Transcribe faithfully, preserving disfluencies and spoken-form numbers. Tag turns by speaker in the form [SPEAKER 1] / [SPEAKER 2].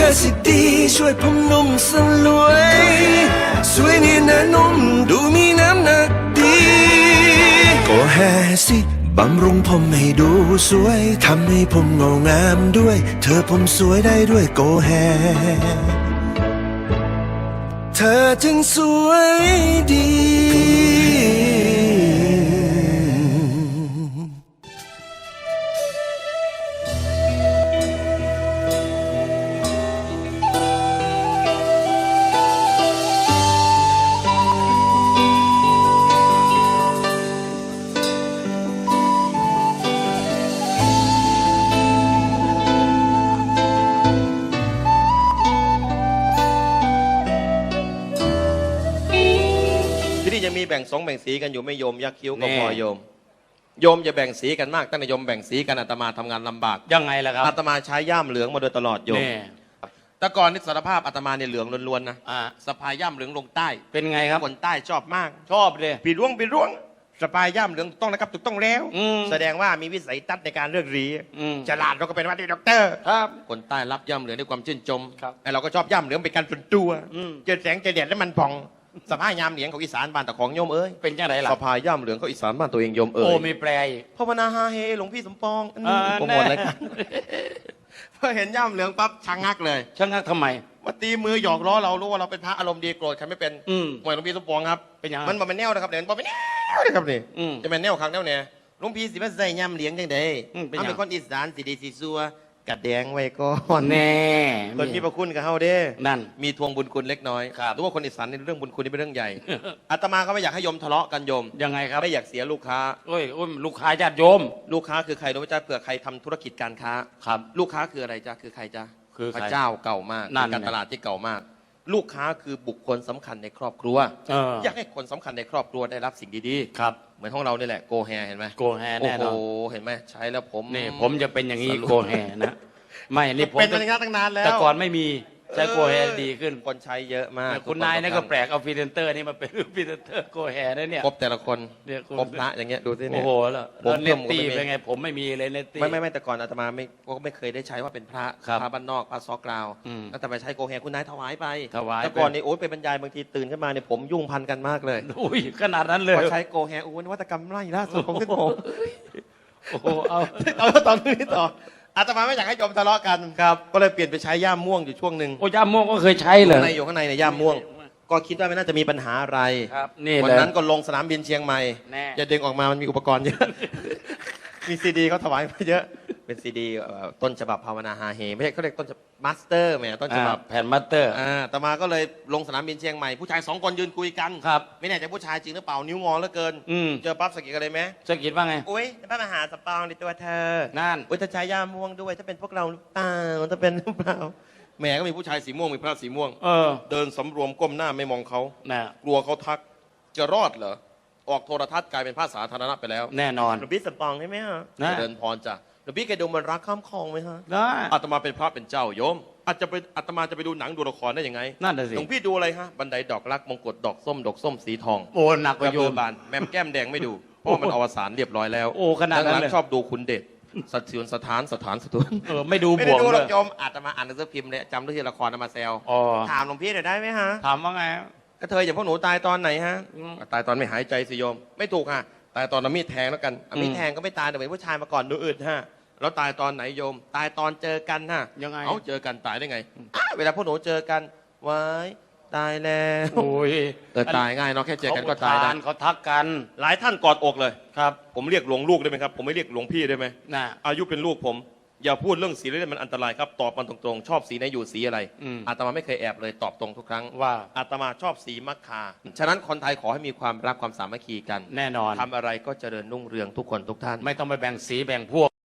[SPEAKER 1] สิดีช่วยผมนุ่มสลวยสวยเนียนนะนุ่มดูมีน้ำหนักดีก็แฮสิบำรุงผมให้ดูสวยทำให้ผมเงางามด้วย เธอผมสวยได้ด้วยโกแฮเธอจึงสวยดี
[SPEAKER 2] ที่นี่ยังมีแบ่งสองแบ่งสีกันอยู่ไม่โยมยักษ์คิ้วก็พอโยมโยมจะแบ่งสีกันมากตั้งแต่โยมแบ่งสีกันอาตมาทำงานลำบาก
[SPEAKER 3] ยังไงล่ะครับ
[SPEAKER 2] อาตมาใช้ย่ามเหลืองมาโดยตลอดโยมแต่ก่อนนี่สารภาพอาตมาเนี่ยเหลืองล้วนๆนะสะพายย่ามเหลืองลงใต้
[SPEAKER 3] เป็นไงครับ
[SPEAKER 2] คนใต้ชอบมาก
[SPEAKER 3] ชอบเลย
[SPEAKER 2] ปีร่วงปีร่วงสะพายย่ามเหลืองต้องนะครับถูกต้องแล้วแสดงว่ามีวิสัยทัศน์ในการเลือกรีฉลาดเราก็เป็นว่าที่ด็อกเตอร์ครับคนใต้รับย่ามเหลืองด้วยความชื่นชมไอเราก็ชอบย่ามเหลืองเป็นการส่วนตัวเจอแสงเจอแดดแล้วมันผ่องสะพายย่ามเหลืองของอีสานบ้านตะของโยมเอ้ย
[SPEAKER 3] เป็นยังไงล่ะ
[SPEAKER 2] สะพายย่ามเหลืองของอีสานบ้านตัวเองโยมเอ้ย
[SPEAKER 3] โอ้มีแปล
[SPEAKER 2] ภาวนาฮาเฮหลวงพี่สมปองโปรโมทอะไรกันพอเห็นย่ามเหลืองปั๊บชังงักเลย
[SPEAKER 3] ชังงักทำไม
[SPEAKER 2] มาตีมือหยอกล้อเรารู้ว่าเราเป็นพระอารมณ์ดีโกรธใครไม่เป็นหมวยหลวงพี่สมปองครับ
[SPEAKER 3] เป็นยัง
[SPEAKER 2] มันบอกเป็นแนวนะครับเดี๋ยวมันบอกเป็นแนวนะครับนี่จะเป็นแนวครั้งแนวเนี่ยหลวงพี่สิมาใส่ย่ามเหลืองจังไดถ้าเป็นคนอีสานสีดีสีซัวกัดแดงไว้ก่อน
[SPEAKER 3] แน่
[SPEAKER 2] คนมีพระคุณกับเฮาเด้
[SPEAKER 3] นั่น
[SPEAKER 2] มีทวงบุญคุณเล็กน้อยรู้ว่าคนอีสานในเรื่องบุญคุณนี่เป็นเรื่องใหญ่อาตมาก็ไม่อยากให้โยมทะเลาะกันโยม
[SPEAKER 3] ยังไงครับ
[SPEAKER 2] ไม่อยากเสียลูกค้า
[SPEAKER 3] โอ้ยโอ้ยลูกค้าญาติโยม
[SPEAKER 2] ลูกค้าคือใครรู้ไหมจ๊ะเผื่อใครทำธุรกิจการค้า
[SPEAKER 3] ครับ
[SPEAKER 2] ลูกค้าคืออะไรจ๊ะคือใครจ๊ะ
[SPEAKER 3] คือ
[SPEAKER 2] พระเจ้าเก่ามากการตลาดที่เก่ามากลูกค้าคือบุคคลสำคัญในครอบครัวอยากให้คนสำคัญในครอบครัวได้รับสิ่งดี
[SPEAKER 3] ๆครับ
[SPEAKER 2] เหมือนของเรานี่แหละโกแฮเห็นไหม
[SPEAKER 3] โกแฮแน่นอน
[SPEAKER 2] โอ้โหเห็นไหมใช้แล้วผม
[SPEAKER 3] นี่ผมจะเป็นอย่างนี้โกแฮนะไม่นี่ผม
[SPEAKER 2] เป็นมาตั้งนานแล้ว
[SPEAKER 3] แต่ก่อนไม่มีใช้โกแฮดีขึ้น
[SPEAKER 2] คนใช้เยอะมาก
[SPEAKER 3] คุณนายนี่ก็แปลกเอาพรีเซนเตอร์นี่มาเป็นพรีเซนเตอร์โกแฮนะเนี่ย
[SPEAKER 2] ครบแต่ละคนครบพระอย่างเงี้ยดูสิเนี่ย
[SPEAKER 3] โอ้โหแล้วเนตตี้เป็นไงผมไม่มีเลยเนตตี้
[SPEAKER 2] ไม่ไม่ไม่แต่ก่อนอาตมาไม่ก็ไม่เคยได้ใช้ว่าเป็นพระพระบ้านนอกพระซอกกราวแล้วแต่ไปใช้โกแฮคุณนายถวายไป
[SPEAKER 3] ถวาย
[SPEAKER 2] แต่ก่อนนี่โอ๊ยไปบรรยายบางทีตื่นขึ้นมาเนี่ยผมยุ่งพันกันมากเลย
[SPEAKER 3] อุ้ยขนาดนั้นเลย
[SPEAKER 2] พอใช้โกแฮโอ้นวัตกรรมไล่ล่าสุดของเส้นผม
[SPEAKER 3] โอ้โหเอา
[SPEAKER 2] เอาตอนนี้ต่ออาตมาไม่อยากให้โยมทะเลาะกันครับก็เลยเปลี่ยนไปใช้ย่ามม่วงอยู่ช่วงหนึ่ง
[SPEAKER 3] โอ้ย่ามม่วงก็เคยใช้เลย
[SPEAKER 2] ในอยู่ข้างในในย่ามม่วงก็คิดว่าไม่น่าจะมีปัญหาอะไร
[SPEAKER 3] ครับนี่
[SPEAKER 2] วันนั้นก็ลงสนามบินเชียงใหม่จะดึงออกมามันมีอุปกรณ์เยอะมีซีดีเขาถวายมาเยอะเป็นซีดีต้นฉบับภาวนาฮาเฮไม่ใช่เขาเรียกต้นมาสเตอร์แหมต้นฉบับ
[SPEAKER 3] แผ่นมาสเตอร์
[SPEAKER 2] อ่าต่อมาก็เลยลงสนามบินเชียงใหม่ผู้ชายสองคนยืนคุยกัน
[SPEAKER 3] ครับ
[SPEAKER 2] ไม่แน่ใจผู้ชายจริงหรือเปล่านิ้วงอเหลือเกินเจอปั๊บสกิดกันเลยไหม
[SPEAKER 3] สกิดว่าไง
[SPEAKER 2] อุ้ยพระมหาสปองในตัวเธอ
[SPEAKER 3] นั่น
[SPEAKER 2] อุ้ยจะใช้ย่าม่วงด้วยถ้าเป็นพวกเราหรือเปล่าถ้าเป็นหรือเปล่าแหมก็มีผู้ชายสีม่วงมีพระสีม่วง
[SPEAKER 3] เออ
[SPEAKER 2] เดินสำรวมก้มหน้าไม่มองเขากลัวเขาทักจะรอดเหรอออกโทรทัศน์กลายเป็นภาษาสาธารณะไปแล้ว
[SPEAKER 3] แน่นอน
[SPEAKER 2] หลวงพี่สปองใช่ไหมฮะเดินพรจ้ะหลวงพี่แกดูมันรักข้ามคลองไหมฮะ
[SPEAKER 3] ได้
[SPEAKER 2] อาตมาเป็นพระเป็นเจ้าโยมอาจจะไปอาตมาจะไปดูหนังดูละครได้ยังไง
[SPEAKER 3] นั่นแหละสิ
[SPEAKER 2] หลวงพี่ดูอะไรฮะบันไดดอกรักมงกุฎดอกส้มดอกส้มสีทอง
[SPEAKER 3] โอ้หนักกว่าโยม
[SPEAKER 2] บานแมมแก้มแดงไม่ดูเพราะมันอวสานเรียบร้อยแล้ว
[SPEAKER 3] โอ้ขนาดนั้นเลย
[SPEAKER 2] ชอบดูคุณเดชสัตว์เสือนสถานสถานสตุน
[SPEAKER 3] เออไม่ดูบวกเลยไม่
[SPEAKER 2] ดูหรอกโยมอาตมาอ่านหนังสือพิมพ์เลยจำเรื่องละครมาแซวถามหลวงพี่หน่อยได้ไหมฮะ
[SPEAKER 3] ถามว่าไง
[SPEAKER 2] ก็เธออย่างพวกหนูตายตอนไหนฮะตายตอนไม่หายใจสิโยมไม่ถูกฮะตายตอนเอามีดแทงแล้วกันเอามีดแทงก็ไม่ตายแต่เป็นผู้ชายมาก่อนดูอึดฮะแล้วตายตอนไหนโยมตายตอนเจอกันฮะ
[SPEAKER 3] ยังไง
[SPEAKER 2] เอาเจอกันตายได้ไงเวลาพวกหนูเจอกันไว้ตายแล้ว
[SPEAKER 3] โอ้ย
[SPEAKER 2] แต่ตายง่ายเนาะแค่เจอกันก็ตายได้
[SPEAKER 3] เขาทักกัน
[SPEAKER 2] หลายท่านกอดอกเลย
[SPEAKER 3] ครับ
[SPEAKER 2] ผมเรียกหลวงลูกได้ไหมครับผมไม่เรียกหลวงพี่ได้ไหม
[SPEAKER 3] น่ะ
[SPEAKER 2] อายุเป็นลูกผมอย่าพูดเรื่องสีเล่นมันอันตรายครับตอบมันตรงๆชอบสีไหนอยู่สีอะไรอาตมาไม่เคยแอบเลยตอบตรงทุกครั้ง
[SPEAKER 3] ว่า
[SPEAKER 2] อาตมาชอบสีมัคคาฉะนั้นคนไทยขอให้มีความรักความสามัคคีกัน
[SPEAKER 3] แน่นอน
[SPEAKER 2] ทำอะไรก็เจริญรุ่งเรืองทุกคนทุกท่าน
[SPEAKER 3] ไม่ต้องไปแบ่งสีแบ่งพวก